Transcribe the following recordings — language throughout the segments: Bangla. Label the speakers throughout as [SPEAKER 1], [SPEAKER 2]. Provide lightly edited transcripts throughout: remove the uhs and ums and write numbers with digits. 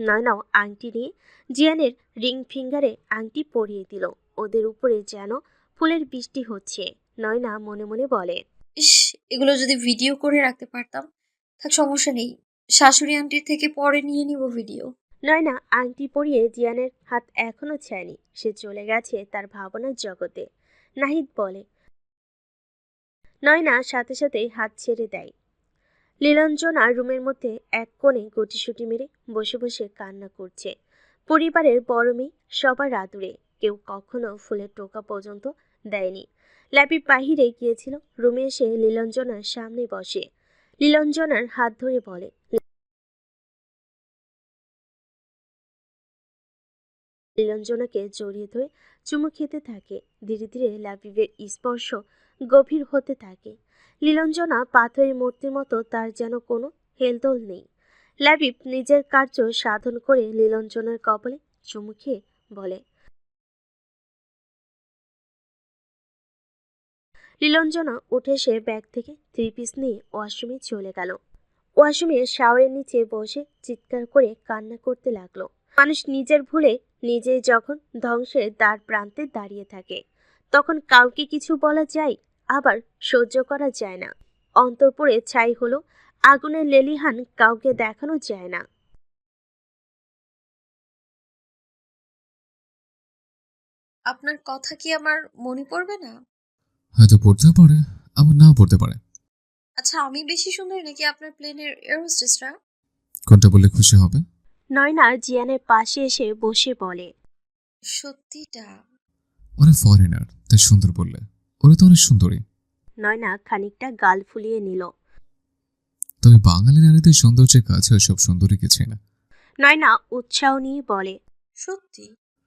[SPEAKER 1] নয়নাও আংটি নিয়ে জিয়ানের রিং ফিঙ্গারে আংটি পরিয়ে দিল। ওদের উপরে যেন ফুলের বৃষ্টি হচ্ছে। নয়না মনে মনে বলে,
[SPEAKER 2] ইস, এগুলো যদি ভিডিও করে রাখতে পারতাম। থাক, সমস্যা নেই, শাশুড়ি আন্টির থেকে পরে নিয়ে নিব ভিডিও।
[SPEAKER 1] নয়না আংটি পরিয়ে জিয়ানের হাত এখনো ছায়নি। সে চলে গেছে তার ভাবনার জগতে। নাহিদ বলে। নয়না সাথে সাথে হাত ছেড়ে দেয়। লীলাঞ্জনা রুমের মধ্যে এক কোণে গুটিসুটি মেরে বসে বসে কান্না করছে। পরিবারের বড় মেয়ে, সবার আদুরে, কেউ কখনো ফুলের টোকা পর্যন্ত দেয়নি। ল্যাপি বাহিরে গিয়েছিল, রুমে এসে লীলাঞ্জনার সামনে বসে। লীলাঞ্জনার হাত ধরে বলে, নীলাঞ্জনাকে জড়িয়ে ধরে চুমু খেতে থাকে। ধীরে ধীরে লাবিবের স্পর্শ গভীর হতে থাকে। নীলাঞ্জনা পাথরের মূর্তির মতো, তার যেন কোনো হেলদোল নেই। লাবিব নিজের কার্য সাধন করে নীলাঞ্জনার কপালে চুমু খেয়ে বলে, নীলাঞ্জনা উঠে এসে ব্যাগ থেকে 3 পিস নিয়ে ওয়াশরুমে চলে গেল। ওয়াশরুমে শাওয়ারের নিচে বসে চিৎকার করে কান্না করতে লাগলো। মানুষ নিজের ভুলে নিজেই যখন ধ্বংসের দ্বার প্রান্তে দাঁড়িয়ে থাকে, তখন কাউকে কিছু বলা যায়, আবার সহ্য করা যায় না। অন্তঃপুরে ছাই হলো আগুনের লেলিহান, কাউকে দেখানো যায় না।
[SPEAKER 2] আপনার কথা কি আমার মনে পড়বে না?
[SPEAKER 3] হয়তো পড়তেও পারে, আবার নাও পড়তে পারে।
[SPEAKER 2] আচ্ছা, আমি বেশি সুন্দরী নাকি আপনার প্লেনের এয়ার হোস্টেসরা?
[SPEAKER 3] কোনটা বললে খুশি হবে?
[SPEAKER 1] নয়না জিয়ানের পাশে এসে বসে বলে,
[SPEAKER 2] সত্যিটা?
[SPEAKER 3] ওরা ফরেনার, তাই সুন্দর বললে। ওরা তো অনেক সুন্দরী।
[SPEAKER 1] নয়না খানিকটা গাল ফুলিয়ে নিল।
[SPEAKER 3] তবে বাঙালি নারীদের সৌন্দর্যের কাছে সব সুন্দরী কিছুই না।
[SPEAKER 1] নয়না উৎসাহ নিয়ে বলে,
[SPEAKER 2] সত্যি?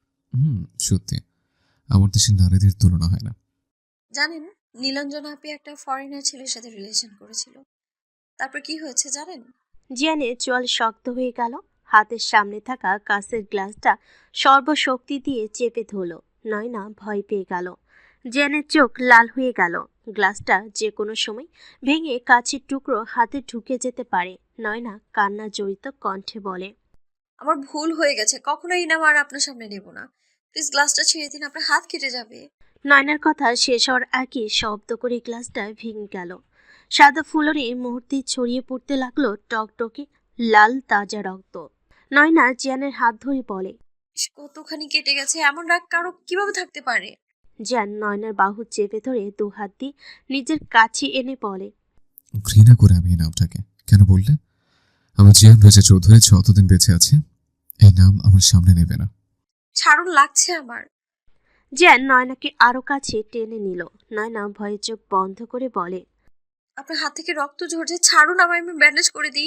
[SPEAKER 3] সত্যি। আমার দেশের নারীদের তুলনা হয় না।
[SPEAKER 2] জানেন, নীলাঞ্জনা আপি একটা ফরেনার ছেলের সাথে রিলেশন করেছিল। তারপর কি হয়েছে জানেন?
[SPEAKER 1] জিয়ানের চোয়াল শক্ত হয়ে গেল। হাতের সামনে থাকা কাঁচের গ্লাসটা সর্বশক্তি দিয়ে চেপে ধরল। নয়না ভয় পেয়ে গেল। জিয়ানের চোখ লাল হয়ে গেল। গ্লাসটা যে কোনো সময় ভেঙে কাঁচের টুকরো হাতে ঢুকে যেতে পারে। নয়না কান্না জড়িত কণ্ঠে বলে,
[SPEAKER 2] আমার ভুল হয়ে গেছে, কখনোই এই নাম আর আপনার সামনে নেব না। প্লিজ গ্লাসটা ছেড়ে দিন, আপনার হাত কেটে যাবে।
[SPEAKER 1] নয়নার কথা শেষ হওয়ার আগে শব্দ করে গ্লাসটা ভেঙে গেল। সাদা ফুলরে মুহূর্তে ছড়িয়ে পড়তে লাগলো টকটকে লাল তাজা রক্ত। নয়না জিয়ানের হাত ধরে বলে,
[SPEAKER 2] ইস, কতখানি কেটে গেছে, এমন রাগ কারো কিভাবে থাকতে পারে?
[SPEAKER 1] জ্যান নয়নার বাহু চেপে ধরে 2 হাত দিয়ে নিজের কাছে এনে বলে,
[SPEAKER 3] ঘৃণা করে আমি এই নামটাকে। কেন বললে? আমার জিয়ান রেজা চৌধুরী যতদিন বেঁচে আছে, এই নাম আমার সামনে নেবে না।
[SPEAKER 2] ছাড়ুন, লাগছে আমার।
[SPEAKER 1] জ্যান নয়নাকে আরো কাছে টেনে নিল। নয়না ভয়ে চোখ বন্ধ করে বলে,
[SPEAKER 2] আপনার হাত থেকে রক্ত ঝরছে, ছাড়ুন আমায়, আমি ব্যান্ডেজ করে দিই।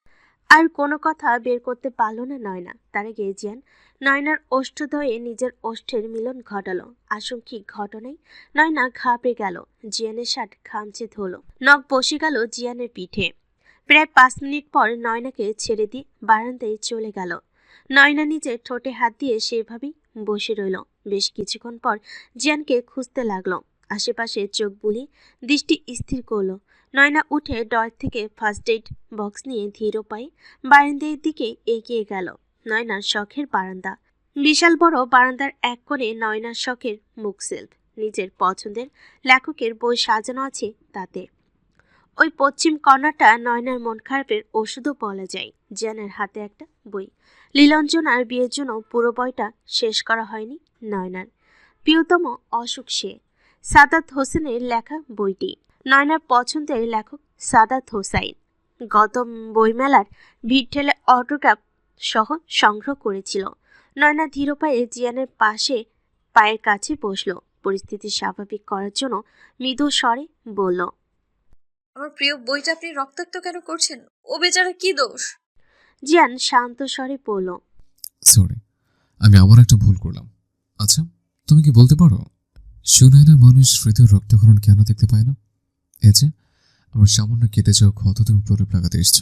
[SPEAKER 1] আর কোনো কথা বের করতে পারল না নয়না। তার আগে জ্যান নয়নার ওষ্ঠদ্বয়ে নিজের ওষ্ঠের মিলন ঘটালো। আশঙ্কিক ঘটনায় নয়না ঘাবড়ে গেল। জিয়ানের শার্ট খামচে ধরল। নখ বসে গেল জিয়ানের পিঠে। প্রায় 5 মিনিট পর নয়নাকে ছেড়ে দিয়ে বারান্দায় চলে গেল। নয়না নিজের ঠোঁটে হাত দিয়ে সেভাবেই বসে রইল। বেশ কিছুক্ষণ পর জিয়ানকে খুঁজতে লাগলো। আশেপাশে চোখ বুলিয়ে দৃষ্টি স্থির করলো। নয়না উঠে ড্রয়ার থেকে ফার্স্ট এইড বক্স নিয়ে ধীর পায়ে বারান্দার দিকে এগিয়ে গেল। নয়নার শখের বারান্দা। বিশাল বড় বারান্দার এক কোণে নয়নার শখের মুখ সেলফ। নিজের পছন্দের লেখকের বই সাজানো আছে তাতে। ওই পশ্চিম কর্নারটা নয়নার মন খারাপের ওষুধও বলা যায়। জিয়ানের হাতে একটা বই। লীলাঞ্জনার বিয়ের জন্য পুরো বইটা শেষ করা হয়নি নয়নার। প্রিয়তম অসুখ সে। সাদাত হোসেনের লেখা বইটি। নয়নার পছন্দের লেখক সাদাত হোসাইন। গত বইমেলার ভিড় ঠেলে অটোগ্রাফ সহ সংগ্রহ করেছিল। নয়না ধীর পায়ে জিয়ানের পায়ের কাছে বসল। পরিস্থিতি স্বাভাবিক করার জন্য মৃদু স্বরে বলল,
[SPEAKER 2] আমার প্রিয় বইটা আপনি রক্তাক্ত কেন করছেন? ও বেচারা কি দোষ?
[SPEAKER 1] জিয়ান শান্ত স্বরে বলল,
[SPEAKER 3] সরি, আমি আবার একটা ভুল করলাম। আচ্ছা, তুমি কি বলতে পারো, সুনয়না মানুষ হৃদয় রক্তক্ষরণ কেন দেখতে পায় না? এই যে আমার সামান্য কেটে যাওয়া ক্ষত তুমি প্রলেপ লাগাতে এসছো,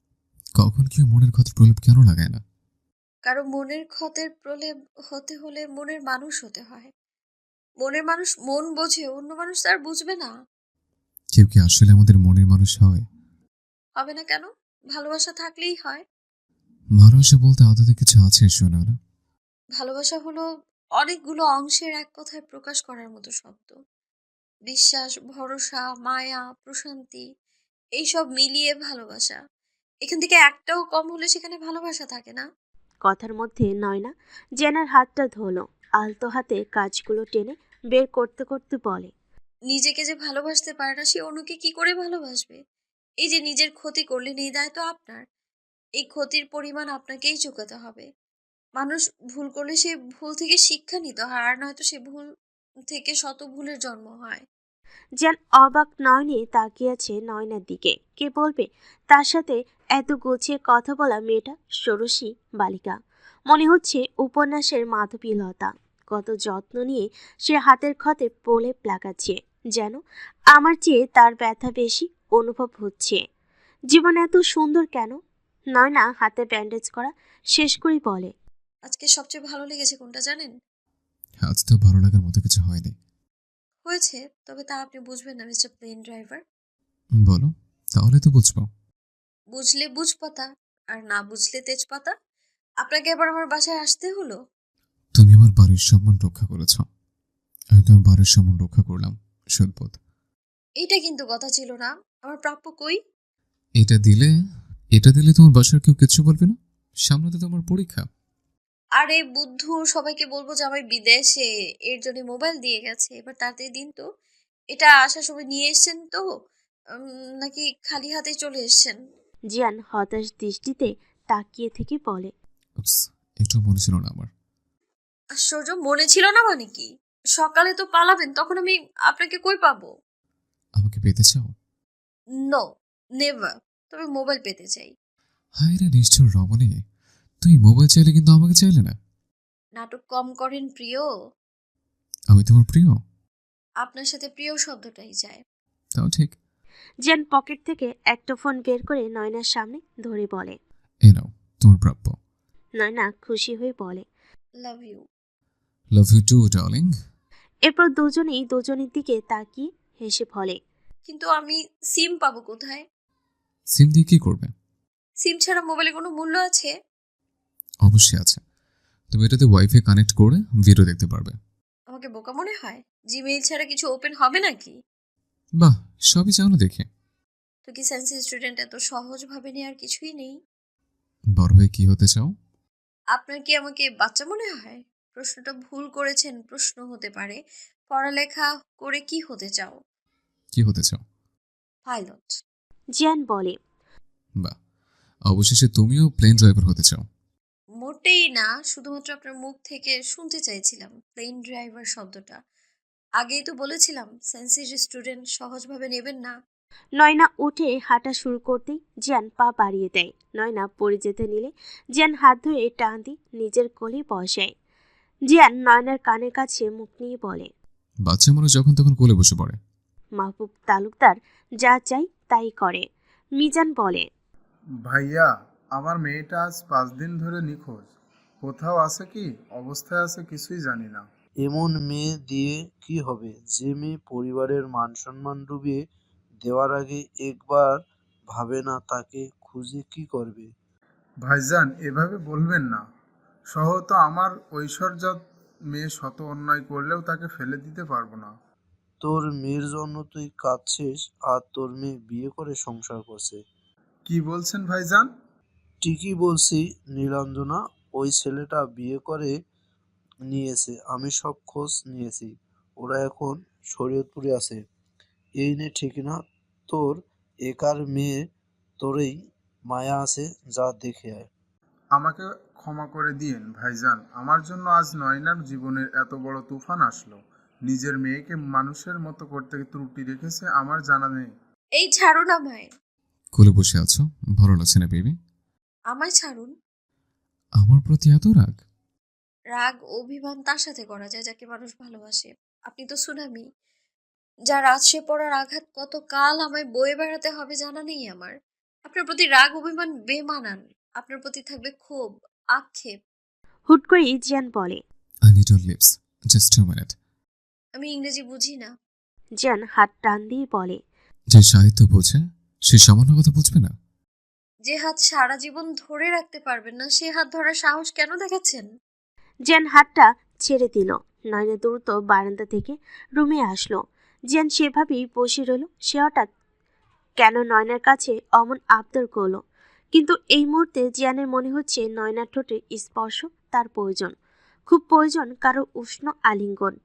[SPEAKER 3] কখন কেউ মনের ক্ষত প্রলেপ কেন লাগায় না?
[SPEAKER 2] কারো মনের ক্ষতের প্রলেপ হতে হলে মনের মানুষ হতে হয়। মনের মানুষ মন বোঝে, অন্য মানুষ তার বুঝবে না।
[SPEAKER 3] কেউ কি আসলে আমাদের মনের মানুষ হয়?
[SPEAKER 2] হবে না কেন? ভালোবাসা থাকলেই হয়।
[SPEAKER 3] ভালোবাসা বলতে আদতে কিছু আছে সুনয়না?
[SPEAKER 2] ভালোবাসা হলো অনেকগুলো অংশের এক কথায় প্রকাশ করার মতো শব্দ। বিশ্বাস, ভরসা, মায়া, প্রশান্তি এইসব মিলিয়ে ভালোবাসা। এখান থেকে একটাও কম হলে সেখানে ভালোবাসা থাকে না।
[SPEAKER 1] কথার মধ্যে নয়না জেনার হাতটা ধরলো, আলতো হাতে কাজগুলো টেনে বের করতে করতে বলে,
[SPEAKER 2] নিজেকে যে ভালোবাসতে পারে না সে অন্যকে কি করে ভালোবাসবে? এই যে নিজের ক্ষতি করলেন এই দায় তো আপনার। এই ক্ষতির পরিমাণ আপনাকেই চুকাতে হবে। মানুষ ভুল করলে সে ভুল থেকে শিক্ষা নিতে হয়, আর নয়তো সে ভুল থেকে শত ভুলের জন্ম হয়।
[SPEAKER 1] জেন অবাক নয়নে তাকিয়ে আছে নয়নার দিকে। কে বলবে তার সাথে এত গুছিয়ে কথা বলা মেয়েটা ষোড়শী বালিকা, মনে হচ্ছে উপন্যাসের মাধবীলতা। কত যত্ন নিয়ে সে হাতের ক্ষতে প্রলেপ লাগাচ্ছে, যেন আমার চেয়ে তার ব্যথা বেশি অনুভব হচ্ছে। জীবন এত সুন্দর কেন? নয়না হাতে ব্যান্ডেজ করা শেষ করেই বলে,
[SPEAKER 2] আজকে সবচেয়ে ভালো লেগেছে কোনটা জানেন?
[SPEAKER 3] আজ তো ভালো লাগার মতো কিছু হয়নি।
[SPEAKER 2] হয়েছে, তবে তা আপনি বুঝবেন না মিস্টার প্লেন ড্রাইভার।
[SPEAKER 3] বলো, তাহলে তো বুঝবো।
[SPEAKER 2] বুঝলে বুঝপাতা, আর না বুঝলে তেজপাতা। আপনাকে এবার আমার বাসায় আসতে হলো।
[SPEAKER 3] তুমি আমার বাড়ির সম্মান রক্ষা করেছ, আমি তোমার বাড়ির সম্মান রক্ষা করলাম। সুদবোধ।
[SPEAKER 2] এইটা কিন্তু কথা ছিল না। আমার প্রাপ্য কই?
[SPEAKER 3] এটা দিলে এটা দিলে তোমার বাসার কেউ কিচ্ছু বলবে না। সামনে তো তোমার পরীক্ষা।
[SPEAKER 2] আরে বুদ্ধু, সবাইকে বলবো যে আমি বিদেশে, এর জন্য মোবাইল দিয়ে গেছে। এবার তাড়াতাড়ি দিন তো। এটা আসার সময় নিয়ে এসেছেন তো, নাকি খালি হাতে চলে এসেছেন?
[SPEAKER 1] জিয়ান হতাশ দৃষ্টিতে তাকিয়ে থেকে বলে,
[SPEAKER 3] উপস, একটু মনে ছিল না আমার।
[SPEAKER 2] আশ্চর্য, মনে ছিল না মানে কি? সকালে তো পালাবেন, তখন আমি আপনাকে কই পাবো?
[SPEAKER 3] আমাকে পেতে চাও?
[SPEAKER 2] No, never. তবে মোবাইল পেতে চাই।
[SPEAKER 3] হায় রে নিষ্ঠুর রমণী, তুমি মোবাইল চাইলে কিন্তু আমাকে চাইলে না।
[SPEAKER 2] নাটক কম করেন প্রিয়।
[SPEAKER 3] আমি তোমার প্রিয়।
[SPEAKER 2] আপনার সাথে প্রিয় শব্দটাই যায়।
[SPEAKER 3] তাও ঠিক।
[SPEAKER 1] জিয়ান পকেট থেকে একটা ফোন বের করে নয়নার সামনে ধরে বলে,
[SPEAKER 3] এ নাও তোমার প্রাপ্য।
[SPEAKER 1] নয়না খুশি হয়ে বলে,
[SPEAKER 2] love you.
[SPEAKER 3] Love you too darling.
[SPEAKER 1] এরপর দুজনেই দুজনের দিকে তাকিয়ে হেসে বলে,
[SPEAKER 2] কিন্তু আমি সিম পাবো কোথায়?
[SPEAKER 3] সিম দিয়ে কি করবে?
[SPEAKER 2] সিম ছাড়া মোবাইলে কোনো মূল্য আছে?
[SPEAKER 3] অবশ্যই আছে। তুমি এটাতে ওয়াইফাই কানেক্ট করে ভিডিও দেখতে পারবে।
[SPEAKER 2] আমাকে বোকা মনে হয়? জিমেইল ছাড়া কিছু ওপেন হবে নাকি?
[SPEAKER 3] বাহ, সবই চাও না দেখে।
[SPEAKER 2] তো কি সায়েন্স স্টুডেন্ট এত সহজ ভাবে নেওয়ার কিছুই নেই?
[SPEAKER 3] বড় হয়ে কি হতে চাও?
[SPEAKER 2] আপনার কি আমাকে বাচ্চা মনে হয়? প্রশ্নটা ভুল করেছেন, প্রশ্ন হতে পারে। পড়ালেখা করে কি হতে চাও?
[SPEAKER 3] কি হতে চাও?
[SPEAKER 2] পাইলট।
[SPEAKER 1] জিয়ান বলে,
[SPEAKER 3] বাহ, অবশেষে তুমিও প্লেন ড্রাইভার হতে চাও।
[SPEAKER 2] মোটেই না, শুধুমাত্র আপনার মুখ থেকে শুনতে চাইছিলাম প্লেন ড্রাইভার শব্দটা। আগেই তো বলেছিলাম সায়েন্সের স্টুডেন্ট সহজভাবে নেবেন না।
[SPEAKER 1] নয়না উঠে হাঁটা শুরু করতেই জিয়ান পা বাড়িয়ে দেয়। নয়না পড়ে যেতে নিলে জিয়ান হাত ধরে টান দিয়ে নিজের কোলে বসায়। জিয়ান নয়নার কানের কাছে মুখ নিয়ে বলে,
[SPEAKER 3] বাচ্চা মানুষ যখন তখন কোলে বসে পড়ে।
[SPEAKER 1] মাহবুব তালুকদার যা চাই তাই করে। মিজান বলে,
[SPEAKER 4] ভাইয়া, আমার মেয়েটা আজ 5 দিন ধরে নিখোঁজ। কোথাও আছে কি অবস্থায় আছে কিছুই জানি না।
[SPEAKER 5] এমন মেয়ে দিয়ে কি হবে যে মেয়ে পরিবারের মান সম্মান ডুবিয়ে দেওয়ার আগে একবার ভাবে না তাকে খুঁজে কি করবে।
[SPEAKER 4] ভাইজান, এভাবে বলবেন না। সহ তো আমার ঐশ্বর্যত মেয়ে শত অন্যায় করলেও তাকে ফেলে দিতে পারবো না।
[SPEAKER 5] তোর মেয়ের জন্য তুই কাঁদছিস আর তোর মেয়ে বিয়ে করে সংসার করছে।
[SPEAKER 4] কি বলছেন ভাইজান?
[SPEAKER 5] ঠিকই বলছি নীলাঞ্জনা, ওই ছেলেটা বিয়ে করে নিয়েছে, আমি সব খোঁজ নিয়েছি। ওরা এখন শরীয়তপুরে আছে। এই নে ঠিকানা তোর একার মেয়ে, তোরই মায়া আছে, যা দেখে আয়।
[SPEAKER 4] আমাকে ক্ষমা করে দিয়েন ভাইজান, আমার জন্য আজ নয়নার জীবনের এত বড় তুফান আসলো। নিজের মেয়েকে মানুষের মতো করতে ত্রুটি রেখেছে আমার জানা নেই।
[SPEAKER 2] এই ছাড়ুন আমায়।
[SPEAKER 3] কোলে বসে আছো, ভালো লাগছে না বেবি?
[SPEAKER 2] আমায় ছাড়ুন।
[SPEAKER 3] আমার প্রতি এত রাগ?
[SPEAKER 2] রাগ অভিমান তার সাথে করা যায় যাকে মানুষ ভালোবাসে। আপনি তো সুনামি, যার আছড়ে পড়ার আঘাত কত কাল আমায় বয়ে বেড়াতে হবে জানা নেই আমার। আপনার প্রতি রাগ অভিমান বেমানান। আপনার প্রতি থাকবে ক্ষোভ, আক্ষেপ।
[SPEAKER 1] হুট করে জিয়ান বলে,
[SPEAKER 3] I need your lips, just 2 minute.
[SPEAKER 2] আমি ইংরেজি বুঝি না।
[SPEAKER 1] জিয়ান হাত টান দিয়ে বলে,
[SPEAKER 3] যে সাহিত্য বোঝে সে সামান্য কথা বুঝবে না?
[SPEAKER 2] যে হাত সারা জীবন ধরে রাখতে পারবেন না, সে হাত ধরার সাহস কেন দেখাচ্ছেন?
[SPEAKER 1] জিয়ান হাতটা ছেড়ে দিল। নয়না দ্রুত বারান্দা থেকে রুমে আসলো। জিয়ান সেভাবেই বসে রইল। সে হঠাৎ কেন নয়নার কাছে অমন আবদার করলো, কিন্তু এই মুহূর্তে জিয়ানের মনে হচ্ছে নয়নার ঠোঁটে স্পর্শ তার প্রয়োজন, খুব প্রয়োজন কারো উষ্ণ আলিঙ্গন।